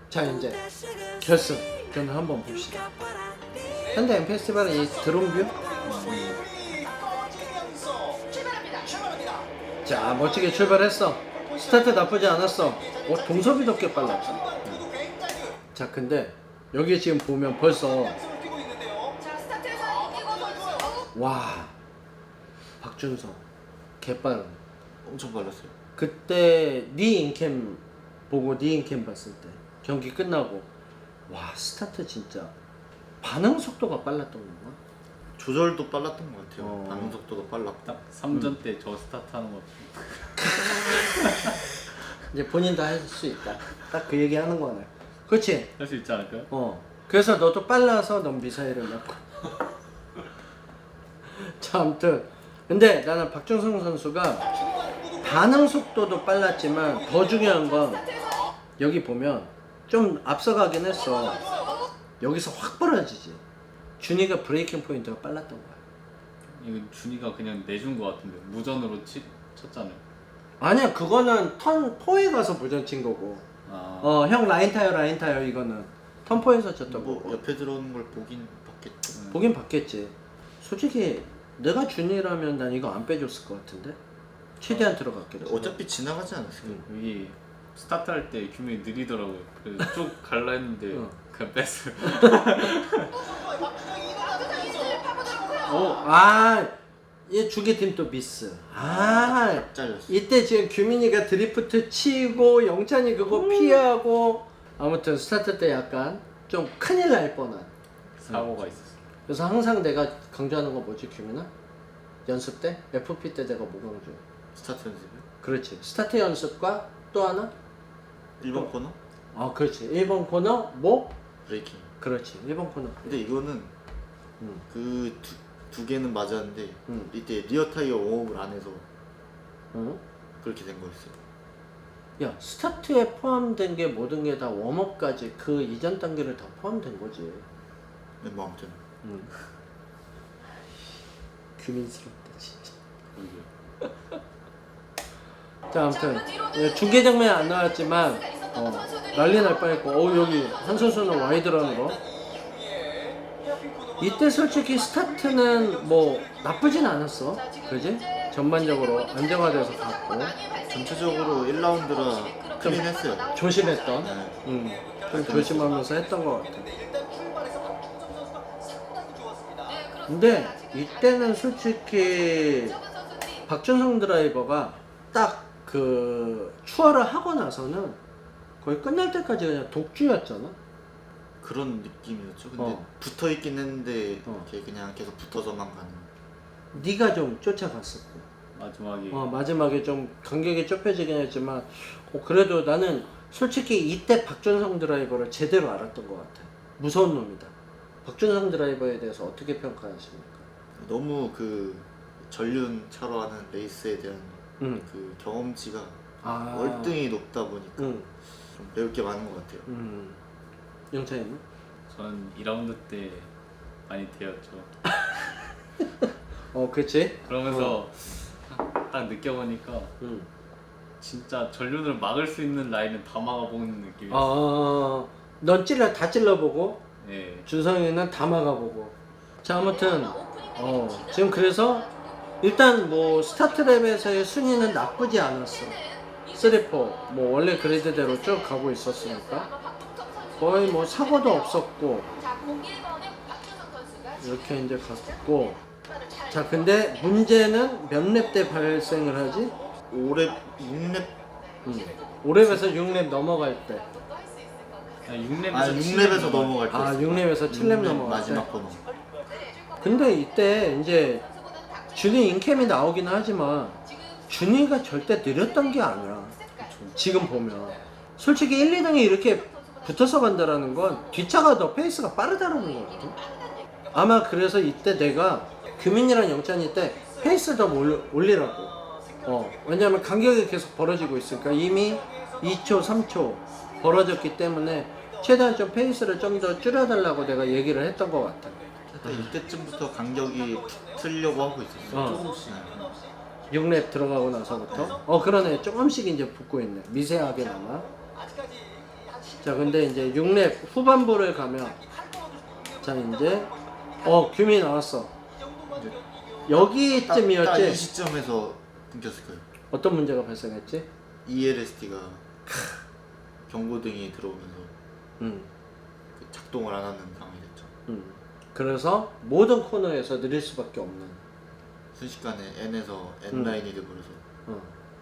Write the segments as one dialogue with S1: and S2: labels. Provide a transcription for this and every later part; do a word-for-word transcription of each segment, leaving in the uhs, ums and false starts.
S1: 자 이제 결승 저는 한번 봅시다. 현대 M 페스티벌의 이 드론뷰. 자 멋지게 출발했어. 스타트 나쁘지 않았어. 어, 동섭이도 꽤 빨랐다. 자 근데 여기 지금 보면 벌써 와 박준성 개빠른.
S2: 엄청 빨랐어요.
S1: 그때 네 인캠 보고 네 인캠 봤을 때 경기 끝나고 와 스타트 진짜 반응 속도가 빨랐던 건가?
S2: 조절도 빨랐던 것 같아요.
S1: 어.
S2: 반응 속도도 빨랐다.
S3: 딱 삼 전 때 저 스타트 하는 거
S1: 이제 본인도 할 수 있다. 딱 그 얘기 하는 거네. 그렇지?
S3: 할 수 있지 않을까요?
S1: 어. 그래서 너도 빨라서 넌 미사일을 맞고. 자, 아무튼 근데 나는 박준성 선수가 반응 속도도 빨랐지만 더 중요한 건 여기 보면 좀 앞서가긴 했어. 여기서 확 벌어지지. 준이가 브레이킹 포인트가 빨랐던 거야.
S3: 이거 준이가 그냥 내준 거 같은데 무전으로 치, 쳤잖아요.
S1: 아니야, 그거는 턴 포에 가서 무전 친 거고.
S3: 아,
S1: 어, 형 라인 타요, 라인 타요 이거는 턴 포에서 쳤던
S2: 뭐
S1: 거고.
S2: 옆에 들어오는 걸 보긴 봤겠죠.
S1: 보긴 봤겠지. 솔직히 내가 준이라면 난 이거 안 빼줬을 것 같은데. 최대한 들어갔겠지.
S2: 어차피 지나가지 않았어요.
S3: 여기 스타트 할 때 규민이 느리더라고요. 그래서 쭉 갈라 했는데
S1: 어.
S3: 그냥 뺐어요.
S1: 오, 아, 얘 주계팀 또 미스. 아,
S2: 잘렸어.
S1: 이때 지금 규민이가 드리프트 치고 영찬이 그거 피하고 아무튼 스타트 때 약간 좀 큰일 날 뻔한.
S3: 사고가 있었어.
S1: 그래서 항상 내가 강조하는 거 뭐지 규민아? 연습 때? 에프피 때 내가 뭐 강조?
S2: 스타트 연습이요?
S1: 그렇지. 스타트 연습과 또 하나?
S2: 일 번 코너?
S1: 아 그렇지. 일 번 코너 뭐?
S2: 브레이킹.
S1: 그렇지. 일 번 코너.
S2: 근데 이거는
S1: 음.
S2: 그 두 개는 맞았는데
S1: 음.
S2: 이때 리어 타이어 웜업을 안 해서
S1: 어?
S2: 그렇게 된 거였어요.
S1: 야 스타트에 포함된 게 모든 게 다 웜업까지 그 이전 단계를 다 포함된 거지.
S2: 네, 뭐 아무튼
S1: 응. 규민스럽다 진짜. 자 아무튼 예, 중계 장면 안 나왔지만 어, 난리 날 뻔했고 어 여기 한 선수는 와이드라는 거. 이때 솔직히 스타트는 뭐 나쁘진 않았어, 그지? 전반적으로 안정화돼서 갔고
S2: 전체적으로 일 라운드라 크긴 했어요.
S1: 조심했던,
S2: 네.
S1: 음, 좀 조심하면서 했던 것 같아. 근데 이때는 솔직히 박준성 드라이버가 딱 그 추월을 하고 나서는 거의 끝날 때까지 그냥 독주였잖아.
S2: 그런 느낌이었죠. 근데
S1: 어.
S2: 붙어 있긴 했는데
S1: 어.
S2: 이렇게 그냥 계속 붙어서만 가는.
S1: 네가 좀 쫓아갔었고,
S3: 마지막에
S1: 어, 마지막에 좀 간격이 좁혀지긴 했지만 어, 그래도 나는 솔직히 이때 박준성 드라이버를 제대로 알았던 것 같아. 무서운 놈이다. 박준성 드라이버에 대해서 어떻게 평가하십니까?
S2: 너무 그 전륜차로 하는 레이스에 대한
S1: 응.
S2: 그 경험치가
S1: 아,
S2: 월등히 높다 보니까
S1: 응.
S2: 좀 배울 게 많은 것 같아요.
S1: 음. 영찬이는?
S3: 저는 이 라운드 때 많이 되었죠.
S1: 어, 그렇지.
S3: 그러면서 딱 느껴보니까
S1: 응.
S3: 진짜 전륜을 막을 수 있는 라인은 다 막아보는 느낌이었어요.
S1: 아, 넌 찔러 다 찔러보고
S3: 예.
S1: 준성이는 다 막아보고. 자 아무튼 어 지금 그래서 일단 뭐 스타트랩에서의 순위는 나쁘지 않았어. 쓰리, 포 뭐 원래 그리드대로 쭉 가고 있었으니까 거의 뭐 사고도 없었고 이렇게 이제 갔고. 자 근데 문제는 몇 랩 때 발생을 하지?
S2: 오 랩, 육 랩,
S1: 음. 오 랩에서 육 랩 넘어갈 때.
S3: 육 랩에서
S2: 아 육 랩에서 넘어갈 때.
S1: 아 육 랩에서 칠 랩 넘어갈 때.
S2: 마지막 코너.
S1: 근데 이때 이제 준이 인캠이 나오긴 하지만 준이가 절대 느렸던 게 아니야. 지금 보면 솔직히 일, 이 등이 이렇게 붙어서 간다라는 건 뒷차가 더 페이스가 빠르다는 거거든. 아마 그래서 이때 내가 규민이랑 영찬이 때 페이스 더 올려, 올리라고. 어, 왜냐면 간격이 계속 벌어지고 있으니까 이미 이 초, 삼 초 벌어졌기 때문에 최대한 좀 페이스를 좀 더 줄여달라고 내가 얘기를 했던 것 같아.
S2: 일단 이때쯤부터 간격이 붙으려고 하고 있었어요.
S1: 어.
S2: 조금씩.
S1: 육 랩 들어가고 나서부터 어 그러네 조금씩 이제 붙고 있네 미세하게나마. 자 근데 이제 육 랩 후반부를 가면 자 이제 어 규민이 나왔어.
S2: 이제
S1: 여기쯤이었지.
S2: 딱 이 시점에서 끊겼을 거예요.
S1: 어떤 문제가 발생했지?
S2: 이엘에스디가 경고등이 들어오면서
S1: 음,
S2: 그 작동을 안 하는 상황이 됐죠.
S1: 음. 그래서 모든 코너에서 느릴 수밖에 없는.
S2: 순식간에 N에서
S1: 음.
S2: N라인이 돼버려서
S1: 어.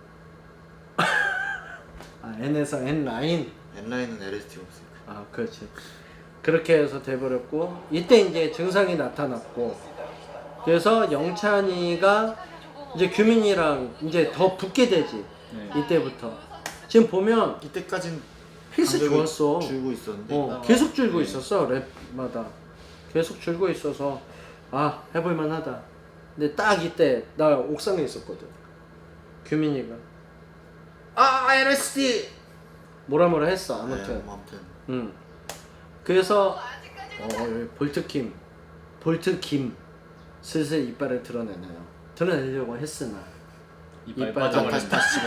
S1: 아 N에서 N 라인.
S2: N라인은 엘에스디가 없으니까.
S1: 아 그렇지. 그렇게 해서 돼버렸고 이때 이제 증상이 나타났고 그래서 영찬이가 이제 규민이랑 이제 더 붙게 되지.
S3: 네.
S1: 이때부터 지금 보면
S2: 이때까진
S1: 페이스
S2: 간격이
S1: 좋았어.
S2: 줄고 있었는데
S1: 어, 계속 줄고
S3: 네.
S1: 있었어 랩마다 계속 줄고 있어서 아 해볼만 하다. 근데 딱 이때 나 옥상에 있었거든. 규민이가 아 엘에스디 뭐라 뭐라 했어 아무튼.
S2: 네, 뭐 아무튼
S1: 음. 그래서 어, 여기 볼트킴 볼트킴 슬슬 이빨을 드러내나요. 드러내려고 했으나
S3: 이빨
S1: 이빨
S2: 다,
S3: 빠져버렸네.
S2: 다시 다시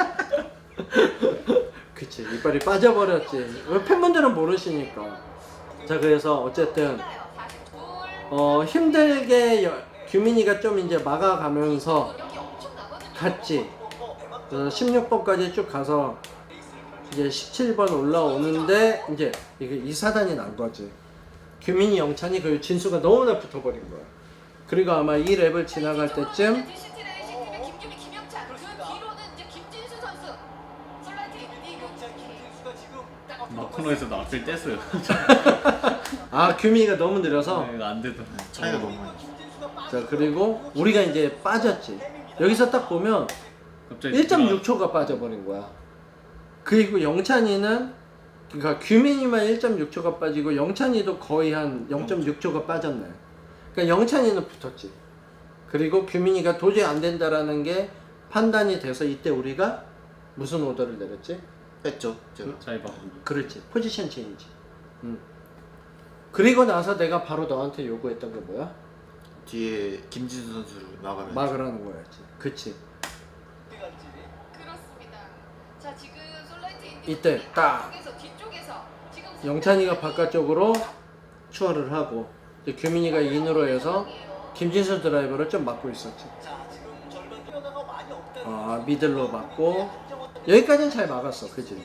S2: 집어.
S1: 그치 이빨이 빠져버렸지. 왜 팬분들은 모르시니까. 자 그래서 어쨌든 어 힘들게 여, 규민이가 좀 이제 막아가면서 갔지. 그래서 십육 번까지 쭉 가서 이제 십칠 번 올라오는데 이제 이게 이 사단이 난 거지. 규민이 영찬이 그리고 진수가 너무나 붙어버린 거야. 그리고 아마 이 랩을 지나갈 때쯤
S3: 막 코너에서도 앞을 뗐어요.
S1: 아 규민이가 너무 느려서
S3: 네, 안 되더.
S2: 차이가 너무 많이 났어.
S1: 자 그리고 우리가 이제 빠졌지. 여기서 딱 보면
S3: 갑자기
S1: 일 점 육 초가 빠져버린 거야. 그리고 영찬이는 그러니까 규민이만 일 점 육 초가 빠지고 영찬이도 거의 한 영 점 육 초가 빠졌네. 그러니까 영찬이는 붙었지. 그리고 규민이가 도저히 안 된다라는 게 판단이 돼서 이때 우리가 무슨 오더를 내렸지?
S2: 뺐죠 제가.
S3: 차이 바꾸기.
S1: 그렇지. 포지션 체인지. 음. 그리고 나서 내가 바로 너한테 요구했던 게 뭐야?
S2: 뒤에 김진수 선수를 막으면
S1: 막으라는 거였지. 그치.
S4: 그렇습니다. 자 지금 솔라이트 인디
S1: 이때 딱
S4: 뒤쪽에서 뒤쪽에서 지금
S1: 영찬이가 바깥쪽으로 추월을 하고 이제 규민이가 인으로 해서 김진수 드라이버를 좀 막고 있었지. 아 미들로 막고 여기까지는 잘 막았어, 그지?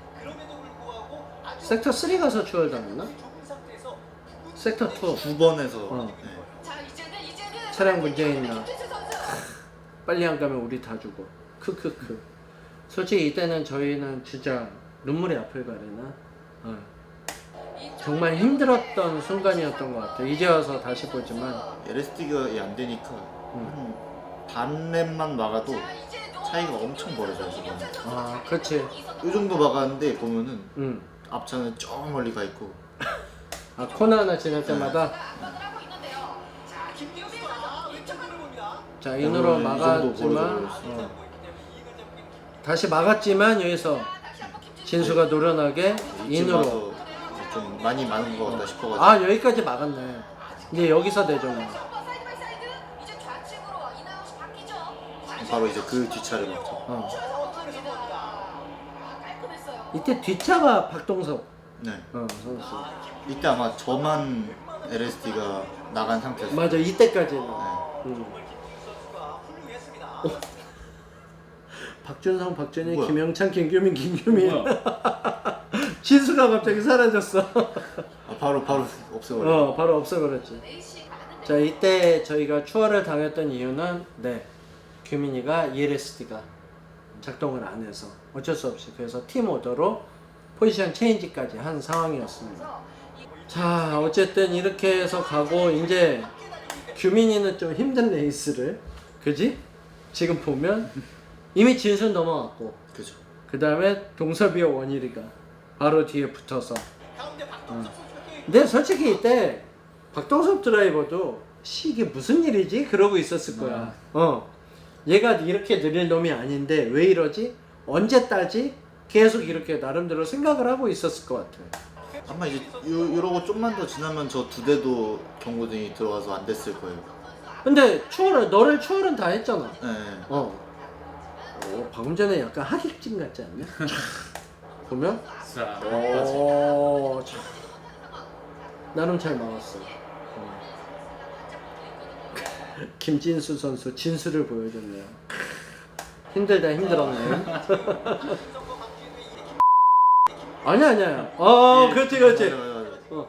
S1: 섹터 삼 가서 추월 당했나? 섹터 이
S2: 두 번에서
S1: 어.
S2: 네.
S4: 자 이제는 이제는
S1: 차량 문제 있나?
S4: 김진수 선수.
S1: 빨리 안 가면 우리 다 죽어. 크크크. 솔직히 이때는 저희는 진짜 눈물이 앞을 가리나? 어. 정말 힘들었던 순간이었던 것 같아. 이제 와서 다시 보지만
S2: 엘에스디가 안 되니까 한 반 랩만 막아도 차이가 엄청 벌어져요 지금.
S1: 아 그렇지.
S2: 이 정도 막았는데 보면은
S1: 응.
S2: 앞차는 저 멀리 가 있고
S1: 아 코너 하나 지날 때마다
S4: 압박을 하고 있는데요. 자 김규민 선수 왼쪽으로 봅니다.
S1: 자 인으로
S2: 이 정도
S1: 막았지만
S2: 벌어져버렸어.
S1: 어. 다시 막았지만 여기서
S4: 다시 한번 김진수
S1: 진수가 노련하게
S2: 지금
S1: 인으로.
S2: 와서 이제 좀 많이 많은 것 같다 싶어가지고
S1: 아 여기까지 막았네. 이제 여기서 내줬네.
S4: 한번 사이드 바이 사이드 이제 좌측으로 인아웃이 바뀌죠.
S2: 바로 이제 그 뒷차를 막죠.
S1: 어.
S4: 들어갑니다. 아, 깔끔했어요.
S1: 이때 뒷차가 박동섭
S2: 네.
S1: 어, 선수.
S2: 이때 아마 저만 엘에스디가 나간 상태였어요.
S1: 맞아 이때까지는.
S2: 네.
S1: 음. 어. 박준성, 박준희,
S2: 뭐야?
S1: 김영찬, 김규민, 김규민.
S3: 뭐야?
S1: 진수가 갑자기 사라졌어.
S2: 아, 바로 바로 없애버려.
S1: 어, 바로 없어버렸지.
S4: 레이시 가는데
S1: 자, 이때 저희가 추월을 당했던 이유는 네, 규민이가 이엘에스디가 작동을 안 해서 어쩔 수 없이 그래서 팀 오더로 포지션 체인지까지 한 상황이었습니다. 자, 어쨌든 이렇게 해서 가고 이제 규민이는 좀 힘든 레이스를, 그지? 지금 보면 이미 진순 넘어갔고
S2: 그죠.
S1: 그 다음에 동섭이와 원일이가 바로 뒤에 붙어서 어. 근데 솔직히 이때 박동섭 드라이버도 씨 이게 무슨 일이지? 그러고 있었을 거야. 어. 얘가 이렇게 느릴 놈이 아닌데 왜 이러지? 언제 따지? 계속 이렇게 나름대로 생각을 하고 있었을 것 같아.
S2: 아마 이제 요, 이러고 좀만 더 지나면 저 두 대도 경고등이 들어와서 안 됐을 거예요.
S1: 근데 추월은 너를 추월은 다 했잖아.
S2: 네.
S1: 어. 어 방금 전에 약간 하객진 같지 않냐? 보면
S3: 자,
S1: 오, 참. 나름 잘 막았어. 어. 김진수 선수 진수를 보여줬네요. 힘들다 힘들었네. 아니야 아니야. 어 그렇지 그렇지.
S2: 맞아, 맞아, 맞아.
S1: 어.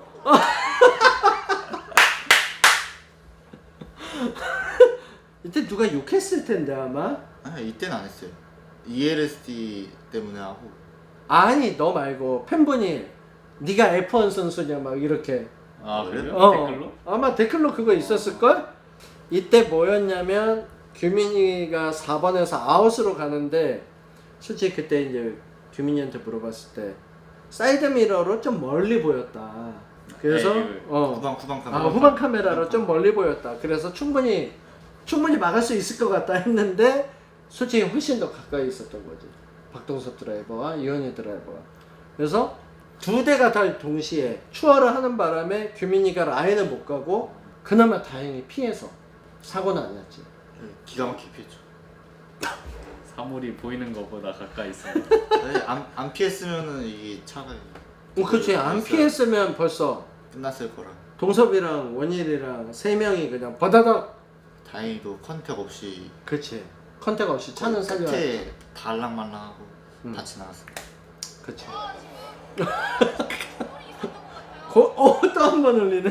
S1: 이때 누가 욕했을 텐데 아마.
S2: 아니 이때는 안 했어요. 이엘에스디 때문에 하고.
S1: 아니 너 말고 팬분이 네가 에프 원 선수냐 막 이렇게.
S3: 아 그래요?
S1: 어,
S3: 댓글로?
S1: 아마 댓글로 그거 있었을걸? 이때 뭐였냐면 규민이가 사 번에서 아웃으로 가는데 솔직히 그때 이제 규민이한테 물어봤을 때 사이드 미러로 좀 멀리 보였다. 그래서
S3: 에이,
S1: 어
S2: 후방 후방 카메라.
S1: 아, 후방 카메라로 좀 멀리 보였다. 그래서 충분히 충분히 막을 수 있을 것 같다 했는데 솔직히 훨씬 더 가까이 있었던 거지. 박동섭 드라이버와 이현희 드라이버가. 그래서 두 대가 다 동시에 추월을 하는 바람에 규민이가 라인을 못 가고 그나마 다행히 피해서 사고는 안 났지.
S2: 네, 기가 막히게 피했죠.
S3: 사물이 보이는 것보다 가까이 있어.
S2: 네, 안, 안 피했으면은 이 차가
S1: 어, 그치. 안 피했으면 벌써
S2: 끝났을 거라.
S1: 동섭이랑 원일이랑 세 명이 그냥 바다닥.
S2: 다행히도 컨택 없이
S1: 그치. 컨택 없이 차는 살려.
S2: 끝에 달랑말랑하고
S1: 음.
S2: 같이 나왔어.
S1: 그치. 고, 어, 또 한 번 울리네.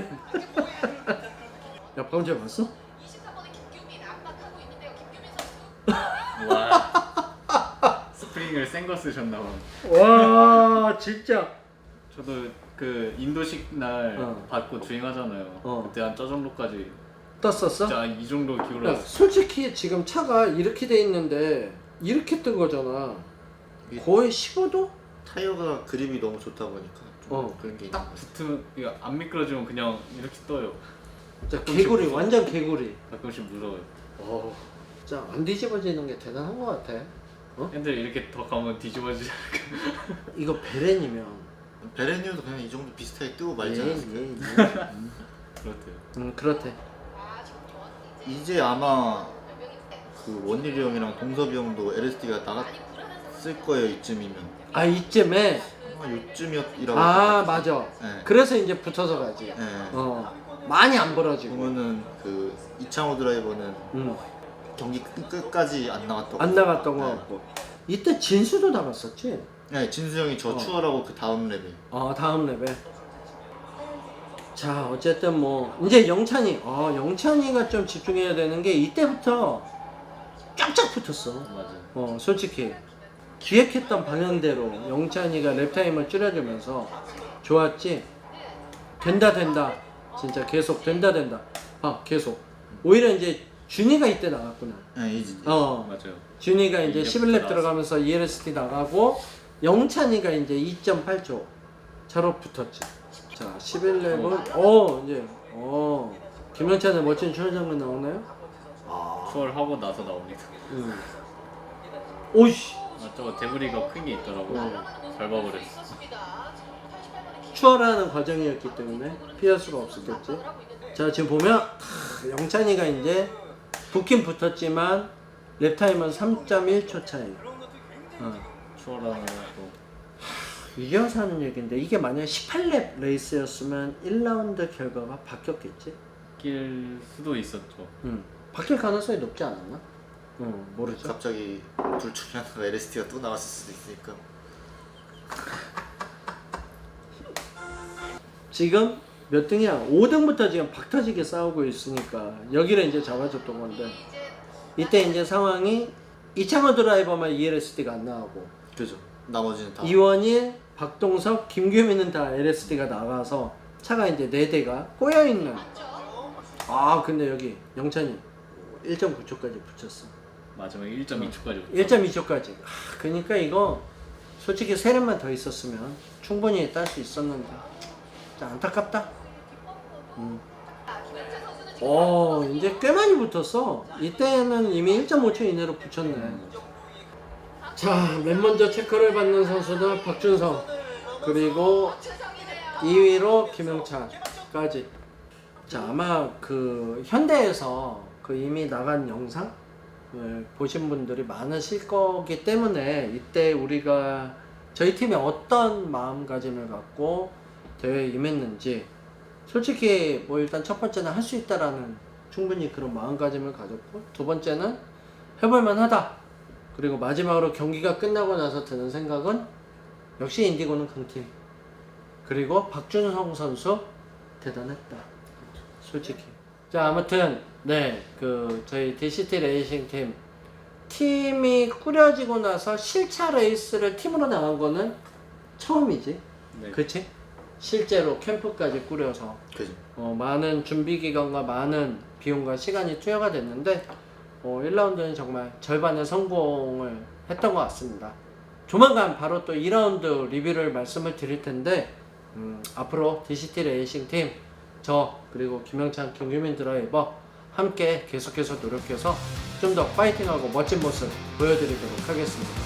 S1: 야, 방금 전에 봤어?
S4: 이십삼 번의 김규민 압박하고 있는데요. 김규민 선수.
S3: 와. 스프링을 센 거 쓰셨나 봐.
S1: 와, 진짜.
S3: 저도 그 인도식 날
S1: 어.
S3: 받고 주행하잖아요.
S1: 어.
S3: 그때 한 저 정도까지
S1: 떴었어?
S3: 진짜 이 정도
S1: 야,
S3: 기울었어.
S1: 솔직히 지금 차가 이렇게 돼 있는데 이렇게 뜬 거잖아. 거의 십오 도?
S2: 타이어가 그립이 너무 좋다 보니까 좀
S1: 어.
S2: 그런 게 있는
S3: 딱
S2: 것 같아요.
S3: 붙으면 이거 안 미끄러지면 그냥 이렇게 떠요.
S1: 진짜 개구리, 완전 개구리.
S3: 가끔씩 무서워요.
S1: 어, 진짜 안 뒤집어지는 게 대단한 것 같아.
S3: 핸들 이렇게 더 가면 뒤집어지지
S1: 이거 베렌이면.
S2: 베레니오도 그냥 이 정도 비슷하게 뜨고 말지
S1: 예,
S2: 않았을까?
S1: 예, 예.
S3: 그렇대요.
S1: 음, 그렇대.
S4: 아, 정yon 이제
S2: 이제 아마
S4: 몇 명인데
S2: 그 원일이 형이랑 동섭이 형도 엘에스디가 나갔을
S4: 많이 불안한 선수.
S2: 거예요 이쯤이면.
S1: 아, 이쯤에.
S2: 아마 요쯤이었이라고.
S1: 아, 맞아.
S2: 네.
S1: 그래서 이제 붙어서 가지.
S2: 네.
S1: 어, 많이 안 벌어지고.
S2: 보면은 그 이창호 드라이버는
S1: 음,
S2: 경기 끝, 끝까지 안 나갔다고.
S1: 안 나갔던 거
S2: 네.
S1: 같고. 이때 진수도 나갔었지?
S2: 네, 진수 형이 저
S1: 어.
S2: 추월하고 그 다음 레벨.
S1: 어, 다음 레벨. 자, 어쨌든 뭐 이제 영찬이. 어, 영찬이가 좀 집중해야 되는 게 이때부터 쫙쫙 붙었어.
S3: 맞아.
S1: 어, 솔직히 기획했던 방향대로 영찬이가 랩타임을 줄여주면서 좋았지. 된다 된다. 진짜 계속 된다 된다. 아, 계속. 오히려 이제 준이가 이때 나갔구나.
S2: 네, 이제
S1: 어,
S3: 맞아요.
S1: 준이가 이제
S3: 이제부터
S1: 십일 렙
S3: 나왔어.
S1: 들어가면서 이엘에스티 나가고 영찬이가 이제 이 점 팔 초 차로 붙었지. 자, 십일 렙은 어 이제 어 김영찬의 멋진 추월 장면 나오나요? 아,
S3: 추월하고 나서 나옵니다.
S1: 음. 오이씨,
S3: 아, 저거 데브리가 큰 게 있더라고.
S1: 어.
S3: 밟아버렸어.
S4: 있었습니다.
S1: 추월하는 과정이었기 때문에 피할 수가 없었겠지. 자, 지금 보면 크, 영찬이가 이제 붙긴 붙었지만 랩 타임은 삼 점 일 초 차이. 어.
S3: 추월하는 것도
S1: 이겨서 하는 얘기인데 이게 만약에 십팔 렙 레이스였으면 일 라운드 결과가 바뀌었겠지?
S3: 낄 수도 있었죠.
S1: 응. 바뀔 가능성이 높지 않았나? 응, 모르죠.
S2: 갑자기 둘 중에 하나가 엘에스티가 또 나왔을 수도 있으니까.
S1: 지금 몇 등이야? 오 등부터 지금 박터지게 싸우고 있으니까 여기를 이제 잡아줬던 건데 이때 이제 상황이 이창호 드라이버만 이엘에스디가 안 나오고
S2: 그죠. 나머지는 다.
S1: 이원일, 박동석, 김규민은 다 엘에스디가 나가서 차가 이제 네 대가 꼬여있는. 아, 근데 여기 영찬이 일 점 구 초까지 붙였어.
S3: 마지막에 일 점 이 초까지.
S1: 일 점 이 초까지. 아, 그러니까 이거 솔직히 세 렙만 더 있었으면 충분히 딸 수 있었는데 진짜 안타깝다. 음. 어, 이제 꽤 많이 붙었어. 이때는 이미 일 점 오 초 이내로 붙였네. 자, 맨 먼저 체크를 받는 선수는 박준성, 그리고 이 위로 김영찬까지. 자, 아마 그 현대에서 그 이미 나간 영상을 보신 분들이 많으실 거기 때문에 이때 우리가 저희 팀이 어떤 마음가짐을 갖고 대회에 임했는지 솔직히 뭐 일단 첫 번째는 할 수 있다라는 충분히 그런 마음가짐을 가졌고, 두 번째는 해볼만 하다. 그리고 마지막으로 경기가 끝나고 나서 드는 생각은 역시 인디고는 강팀. 그리고 박준성 선수 대단했다. 솔직히. 자, 아무튼 네, 그 저희 디씨티 레이싱 팀 팀이 꾸려지고 나서 실차 레이스를 팀으로 나간 거는 처음이지.
S3: 네.
S1: 그치? 실제로 캠프까지 꾸려서
S2: 그지.
S1: 어, 많은 준비 기간과 많은 비용과 시간이 투여가 됐는데 어, 일 라운드는 정말 절반의 성공을 했던 것 같습니다. 조만간 바로 또 이 라운드 리뷰를 말씀을 드릴 텐데 음, 앞으로 디씨티 레이싱 팀, 저 그리고 김영찬, 김규민 드라이버 함께 계속해서 노력해서 좀 더 파이팅하고 멋진 모습 보여드리도록 하겠습니다.